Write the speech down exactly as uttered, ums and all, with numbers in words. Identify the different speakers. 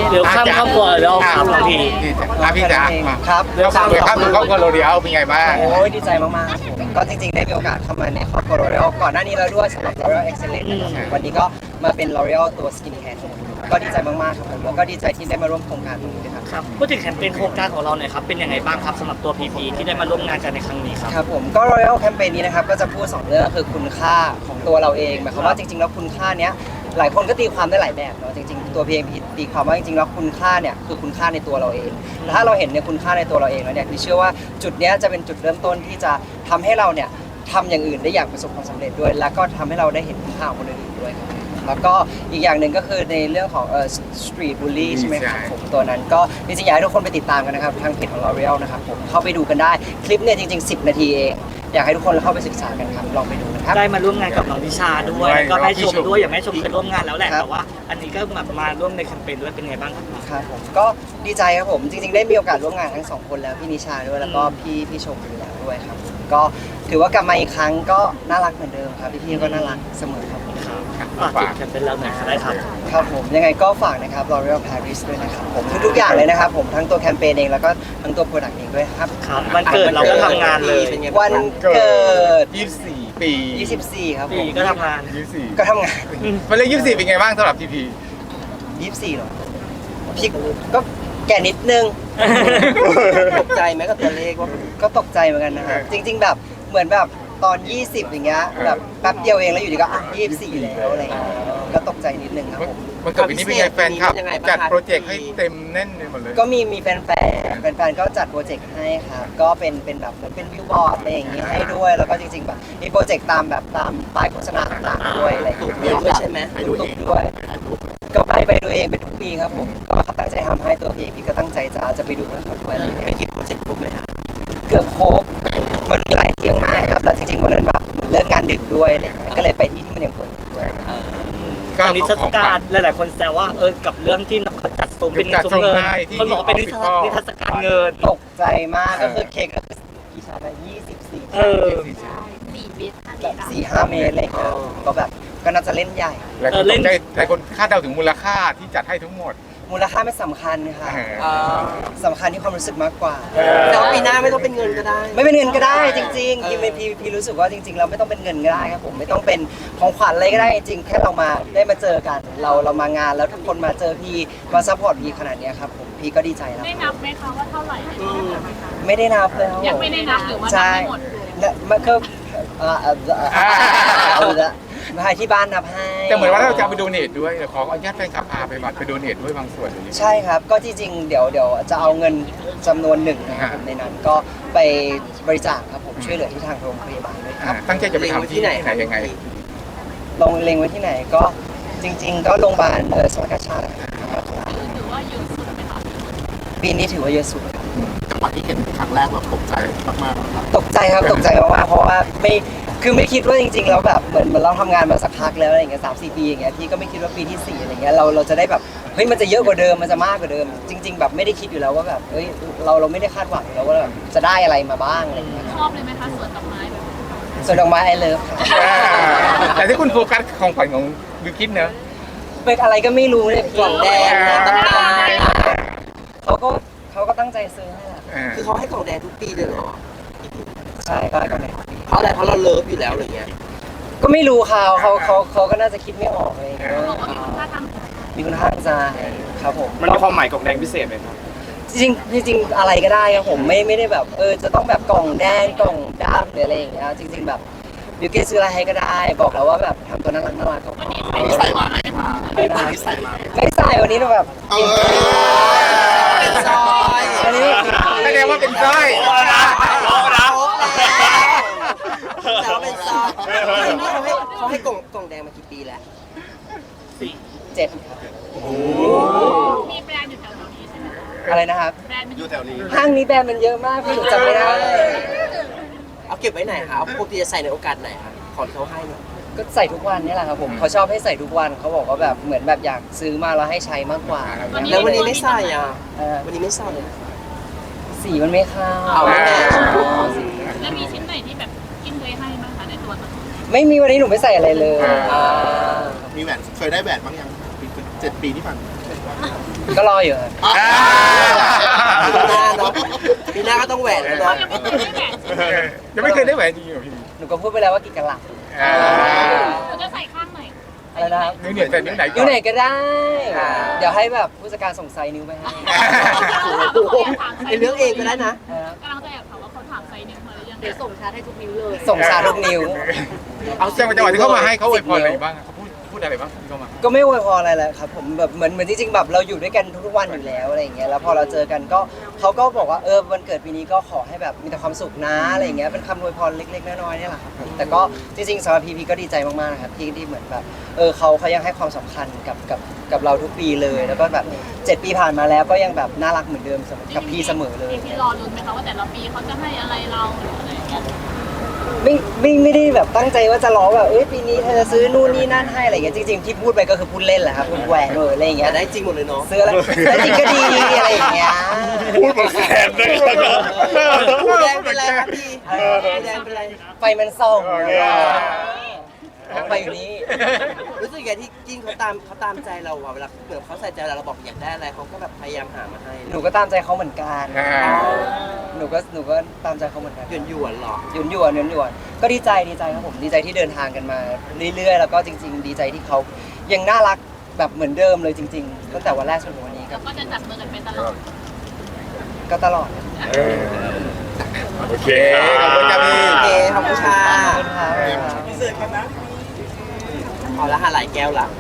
Speaker 1: เดี๋ยวข้ามครอบครัวแล้วครับบางที
Speaker 2: อ่ะพี่จ๋า
Speaker 3: ครับ
Speaker 2: เดี๋ยวข้ามไปข้ามถึงครอบครัวโรเดียลเป็นไงบ้าง
Speaker 3: โอ้ยดีใจมากๆครับผมก็จริงๆได้มีโอกาสเข้ามาในครอบครัว L'Oreal ก่อนหน้านี้แล้วด้วยสำหรับ L'Oreal Excellence นะครับวันนี้ก็มาเป็น L'Oreal ตัว Skin Care ก็ดีใจมากๆครับผมแล้วก็ดีใจที่ได้มาร่วมโครงการตรงนี้ด้วยครับ
Speaker 1: ครับพูดถึงแคมเปญโครงการของเราหน่อยครับเป็นยังไงบ้างครับสำหรับตัว พี พี ที่ได้มาร่วมงานกันในครั้งนี้ครับ
Speaker 3: ครับผมก็ L'Oreal แคมเปญนี้นะครับก็จะพูดสองเรื่องก็คือคุณค่าของตัวเราเองหมายความว่าจริงๆแล้วคุณค่าเนี้ยหลายคนก็ตีความได้หลายแบบเนาะจริงๆตัวพีเอ็มพีตีความว่าจริงๆแล้วคุณค่าเนี่ยคือคุณค่าในตัวเราเองแล้วถ้าเราเห็นในคุณค่าในตัวเราเองแล้วเนี่ยคือเชื่อว่าจุดเนี้ยจะเป็นจุดเริ่มต้นที่จะทำให้เราเนี่ยทำอย่างอื่นได้อย่างประสบความสำเร็จด้วย แล้วก็ทำให้เราได้เห็นคุณค่าของคนอื่นด้วยครับแล้วก็อีกอย่างหนึ่งก็คือในเรื่องของเอ่อ street bully ใช่ไหมครับผมตัวนั้นก็จริงๆอยากให้ทุกคนไปติดตามกันนะครับทางเพจของ L'Oreal นะครับผมเข้าไปดูกันได้คลิปเนี่ยจริงๆสิบนาทีเองอยากให้ทุกคนเข้าไปศึกษากันครับลองไปดูนะครับ
Speaker 1: ได้มาร่วมงานกับน้องทิชาด้วยแล้วก็แม่ชมด้วยอย่างแม่ชมเคยร่วมงานแล้วแหละ
Speaker 3: ครับ
Speaker 1: แต่ว่าอันนี้ก็แบบมาร่วมในแคมเปญด้วยเป็นไงบ้างครับ
Speaker 3: ครับผมก็ดีใจครับผมจริงๆได้มีโอกาสร่วมงานทั้งสองคนแล้วพี่นิชาด้วยแล้วก็พี่พี่ชมอยู่แล้วด้วยครับก็ถือว่ากลับมาอีกครั้งก็น่ารักเหมือนเดิมครับพี่ๆก็น่ารักเสมอครับผม
Speaker 1: ฝากแคมเปญเราหน่อยครับได้ครับ
Speaker 3: ครับผมยังไงก็ฝากนะครับ L'Oreal Paris ด้วยนะครับผมทุกๆอย่างเลยนะครับผมทั้งตัวแคมเปญเองแล้วก็ทั้งตัวโปรดักต์เองด้วยครับ
Speaker 1: ครับวันเกิดเราก็ทำงานเลย
Speaker 3: วันเกิด
Speaker 2: ยี่สิบสี่ปี
Speaker 3: ยี่สิบสี่ครับผ
Speaker 1: ปี
Speaker 3: ม
Speaker 1: ก็ทำงาน
Speaker 2: ยี่สิบสี่
Speaker 3: ก็ทำงาน
Speaker 2: มันเลขยี่สิบสี่เป็นไงบ้างสำหรับทีพี
Speaker 3: ยี่สิบสี่เหรอพี่ก็แก่นิดนึง ตกใจไหมกับตัวเลขว่าก็ตกใจเหมือนกันนะครับจริง ๆ แบบเหมือนแบบตอน ยี่สิบ อย่างเงี้ยแบบแป๊บเดียวเองแล้วอยู่ดีก็อ่ะยี่สิบสี่แล้วอะไรอย่างเงี้ยก็ตกใจนิดนึงครับผม
Speaker 2: มันเกิดปีนี้เป็นไงแฟนคลับจัดโปรเจกต์ให้เต็มแน่นเลยหมดเลย
Speaker 3: ก็มีมีแฟนๆแฟนๆก็จัดโปรเจกต์ให้ครับก็เป็นเป็นแบบเหมือนเป็นวิวบอร์ดอะไรอย่างงี้ให้ด้วยแล้วก็จริงๆแบบมีโปรเจกต์ตามแบบตามป้ายโฆษณาต่างๆด้วยอะไรอย่างเงี้ยด้วยใช่ไหมตุกด้วยก็ไปไปดูเองเป็นทุกปีครับผมก็เขาตั้งใจทำให้ตัวพี่พี่ก็ตั้งใจจะจะไปดูกับเขาด้วยอะไรอย่างเงี้ยไปกี่โปรเจกต์ครบเลยครับเกือบครบมันมีหลายเที่ยงมากครับแล้วจริงๆวันนั้นแบบเลิกงานดึกด้วยอะไรอย่างเงี้ยก็เลยไปที่ที่มันยังเปิดอยู่ด้วย
Speaker 1: ตอนนิทรรศการหลายๆคนแซวว่าเออกับเรื่องที่เขาจัดซุ้มเป็นซุ้มเงินคนบอกว่าเป็นนิทรรศนิทรรศการเงิน
Speaker 3: ตกใจมากก็คือเค้กก็คือกี่ชั้นอะยี่สิบสี่
Speaker 1: เออ
Speaker 4: สี่เมตรห้าเม
Speaker 3: แบ
Speaker 4: ต
Speaker 3: บ
Speaker 4: ร
Speaker 3: สี่ห้าเมตรอะไรอย่างเงี้ยก็แบบก็น่าจะเล่นใหญ่
Speaker 2: หลายคนตกใจหลายคนคาดเดาถึงมูลค่าที่จัดให้ทั้งหมด
Speaker 3: มูลค่าไม่สำคัญค่ะสำคัญที่ความรู้สึกมากกว่า
Speaker 5: แต่ว่าปีหน้าไม่ต้องเป็นเงินก็ได้
Speaker 3: ไม่เป็นเงินก็ได้จริงๆพี่ไม่พี่พี่รู้สึกว่าจริงๆเราไม่ต้องเป็นเงินก็ได้ครับผมไม่ต้องเป็นของขวัญอะไรก็ได้จริงๆแค่เรามาได้มาเจอกัน เราเรามางานแล้วทุกคนมาเจอพี่มาซัพพอร์ตพี่ขนาดเนี้ยครับผมพี่ก็ดีใจแล้ว
Speaker 4: ได้นับไหมคะว่าเท่าไหร่
Speaker 3: ไม่ได้นับเลยครับ
Speaker 4: ยังไม่ได้นับหรือว่านับ
Speaker 3: ใช่
Speaker 4: ไม่หมด
Speaker 3: และมันก็เอ่อเอ่อเอ่อเอาละมาให้ที่บ้านนับให้
Speaker 2: แต่เหมือนว่าเราจะเอาไปโดเนทด้วยเดี๋ยวขออนุญาตแฟนคลับพาไปบัตรไปโดเนทด้วยบางส่วนอย่างนี้
Speaker 3: ใช่ครับก็ที่จริงเดี๋ยวเดี๋ยวจะเอาเงินจำนวนหนึ่งนะครับผมในนั้นก็ไปบริจาคครับผมช่วยเหลือที่ทางโรงพยาบาลด้วยค
Speaker 2: อ่า
Speaker 3: รับ
Speaker 2: ตั้งใจจะไปทำที่ไหนไหนยังไง
Speaker 3: ลงเล็งไว้ที่ไหนก็จริง ๆ ก็โรงพยาบาลเออสวัสดิชาตินะครับ
Speaker 4: ถือว่าเยอะสุดไหมคะ
Speaker 3: ปีนี้ถือว่าเยอะสุดครับ
Speaker 6: จังหวะที่เห็นครั้งแรกแบบตกใจมากๆครับ
Speaker 3: ตกใจครับตกใจมากๆเพราะว่าไม่คือไม่คิดว่าจริงๆแล้วแบบเหมือนเหมือนเราทำงานมาสักพักแล้วอะไรอย่างเงี้ยสามสี่ปีอย่างเงี้ยพี่ก็ไม่คิดว่าปีที่สี่อะไรเงี้ยเราเราจะได้แบบเฮ้ยมันจะเยอะกว่าเดิมมันจะมากกว่าเดิม จริง ๆ แบบไม่ได้คิดอยู่แล้วว่าแบบเฮ้ยเราเราไม่ได้คาดหวังอยู่แล้วว่าแบบจะได้อะไรมาบ้างอะไรอย่างเงี้ย
Speaker 4: ชอบเลยไหมคะสวนดอกไม้แบบ
Speaker 3: ส่วนดอกไม้ไอเลิฟค่ะ
Speaker 2: แต่ที่คุณโฟกัสของขวัญของบิวกินเนอะ
Speaker 3: เป็นอะไรก็ไม่รู้เนี่ยกล่องแดง
Speaker 2: อ่า
Speaker 3: น้ำตาลเขาก็เขาก็ตั้งใจซื้อให้แหละ
Speaker 2: อ่า
Speaker 5: คือเขาให้กล่องแดงทุกปีเลยเหรอ
Speaker 3: ใช่ก็ให้กล่องแดง
Speaker 5: เพราะอะไร เพราะเราเลิฟอยู่แล้วอะไรเงี้ย
Speaker 3: ก็ไม่รู้เขาเขาเขาเขาก็น่าจะคิดไม่ออกเลย
Speaker 4: บอกว่ามีคุณค่าทาง
Speaker 3: มีคุณค่าทางใจครับผม
Speaker 7: มันมีความหมายกล่องแดงพิเศษไหมครับ
Speaker 3: จริงๆจริงๆอะไรก็ได้ครับผมไม่ไม่ได้แบบเออจะต้องแบบกล่องแดงกล่องดำหรืออะไรอย่างเงี้ยจริง ๆแบบบิวเกตซื้ออะไรให้ก็ได้ บอกแล้วว่าแบบทำตัวน่ารักน่ารักก็พอ
Speaker 6: วันนี้ใส่มาไหมมาวันนี้ใส่มา
Speaker 3: ไม่ใส่วันนี้เราแบบ
Speaker 6: เออ
Speaker 5: เป็นซอย
Speaker 3: อันนี้
Speaker 2: แสดงว่าเป็นสร้อย
Speaker 5: แต่ว่าเป็นซอยเขาให้เขาให้กล่องกล่องแดงมากี่ปีแล้ว
Speaker 3: เจ็ด
Speaker 4: มีแบรนด์อยู่แถวๆนี้ใช่ไหมคะ
Speaker 3: อะไรนะครับ
Speaker 4: แบรนด์มัน
Speaker 6: อ
Speaker 4: อยู่
Speaker 6: ยู่แถวนี้
Speaker 3: ห้างนี้แบรนด์มันเยอะมากพี่หนูจำไม่ได้
Speaker 5: เอาเก็บไว้ไหนคะเอาปกติจะใส่ในโอกาสไหนคะของที่เขาให้เนี่ย
Speaker 3: ก็ใส่ทุกวันนี่แหละครับผมเขาชอบให้ใส่ทุกวันเขาบอกว่าแบบเหมือนแบบอยากซื้อมาแล้วให้ใช้มากกว่า
Speaker 5: แล้ววันนี้ไม่ใส่อ่ะ
Speaker 3: เออ
Speaker 5: วันนี้ไม่ใส่เลย
Speaker 3: สีมันไม่เข้า
Speaker 5: เอาไม่ได้
Speaker 3: อ๋อสี
Speaker 4: แล้วมีชิ้นไหนที่แบบกินเคยให้บ้างคะในตัวนั้น
Speaker 3: ไม่มีวันนี้หนูไม่ใส่อะไรเลย
Speaker 2: อ่า
Speaker 3: อ่า
Speaker 6: มีแหวนเคยได้แหวนบ้างยังปีเจ็ดปีที่ผ่านมา
Speaker 3: ก็รออยู่ครับ
Speaker 6: อ่า
Speaker 5: ปีหน้าเนาะปีหน้าก็ต้องแหวนแล้ว
Speaker 4: เรา
Speaker 5: เนาะ
Speaker 4: ยังไม่เคยได้แหวนจริง
Speaker 2: ยังไม่เคยได้แหวนจริงเหรอพี่
Speaker 3: หนูก็พูดไปแล้วว่ากี่กะลัด
Speaker 2: อ่า
Speaker 4: เราจะใส่ข้างไหน
Speaker 3: อะไรนะครับ
Speaker 2: นิ้วเนี่ยแต่นิ้วไหนก่
Speaker 3: นิ้
Speaker 2: อ
Speaker 3: วน ไหนก็ได้ เดี๋ยวให้แบบผู้จัดการส่งไซส์นิ้วไปให้
Speaker 5: ไอเรื่องเองก็ได้นะ
Speaker 3: นะครับ
Speaker 4: กำลังจะแอบถามว่าเขาถามไซส์นิ้วมาหรือยังเดี๋ยวส่งชาร์จให้ทุกนิ้วเลย
Speaker 3: ส่งชาทุกนิ้ว
Speaker 2: เอาจังหวะจังหวะที่เขามาให้เขาอวยพรอะไรบ้างเขาพูดพูดอะไรบ้างที่เขามา
Speaker 3: ก็ไม่อวยพรอะไรแหละครับผมแบบเหมือนเหมือนจริงๆแบบเราอยู่ด้วยกันทุกๆวันอยู่แล้วอะไรอย่างเงี้ยแล้วพอเราเจอกันก็เขาก็บอกว่าเออวันเกิดปีนี้ก็ขอให้แบบมีแต่ความสุขนะอะไรอย่างเงี้ยเป็นคำอวยพรเล็กๆน้อยๆเนี่ยแหละครับผมแต่ก็จริงๆสำหรับพีพีก็ดีใจมากๆนะครับที่ที่เหมือนแบบเออเขาเขายังให้ความสำคัญกับกับกับเราทุกปีเลย แล้วก็แบบเจ็ดปีผ่านมาแล้วก็ยังแบบน่ารักเหมือนเดิมเสมอกับพี่เสมอเลย
Speaker 4: พี่รอลุ้นไหมคะว่าแต่ละปีเขาจะให้อะไรเราหรืออะไรอย่างเงี้ย
Speaker 3: ไม่ไม่ไม่ได้แบบตั้งใจว่าจะร้องแบบเอ้ยปีนี้เธอจะซื้อนู่นนี่นั่นให้อะไรอย่างเงี้ยจริงๆที่พูดไปก็คือพูดเล่นแหละครับพูดแหวกเลยอะไรอย่างเงี้
Speaker 5: แต่
Speaker 3: ย
Speaker 5: ได้จริงหมดเลยเนาะ
Speaker 3: ซื้ออะไรแล้วจริงก็ดีอะไรอย่างเงี้ย
Speaker 6: พูดเหมือนแขนเลยนะ
Speaker 5: ผู้แดงเป็นไรครับพี่ผู้แดงเป็นไร
Speaker 3: ไฟมันส่อง
Speaker 2: โอเค
Speaker 3: ไฟอยู่นี่
Speaker 5: รู้สึกไงที่กิ้งเขาตามเขาตามใจเราอะเวลาเหมือนเขาใส่ใจเราเราบอกอยากได้อะไรเขาก็แบบพยายามหามาให้
Speaker 3: หนูก็ตามใจเขาเหมือนกัน
Speaker 2: อ่า
Speaker 3: หนูก็หนูก็ตามใจเขาเหมือนกัน
Speaker 5: หยวนหยวนๆหรอ
Speaker 3: หยวนหยวนหยวนหยวนก็ดีใจดีใจครับผมดีใจที่เดินทางกันมาเรื่อยๆ แล้วก็จริง ๆ ดีใจที่เขายังน่ารักแบบเหมือนเดิมเลยจริงๆตั้งแต่วันแรกจนถึงวันนี้ค
Speaker 4: แล้
Speaker 3: รั
Speaker 4: ว
Speaker 3: บ
Speaker 4: ก็จะจับมือกันไปตลอด
Speaker 3: ก็ตลอด
Speaker 2: เออ
Speaker 6: โอเค
Speaker 2: ขอบคุณครับพี่
Speaker 5: โอเคขอบคุณค่ะ
Speaker 3: ขอบคุณครับ
Speaker 5: พอแล้วหาหลายแก้วละ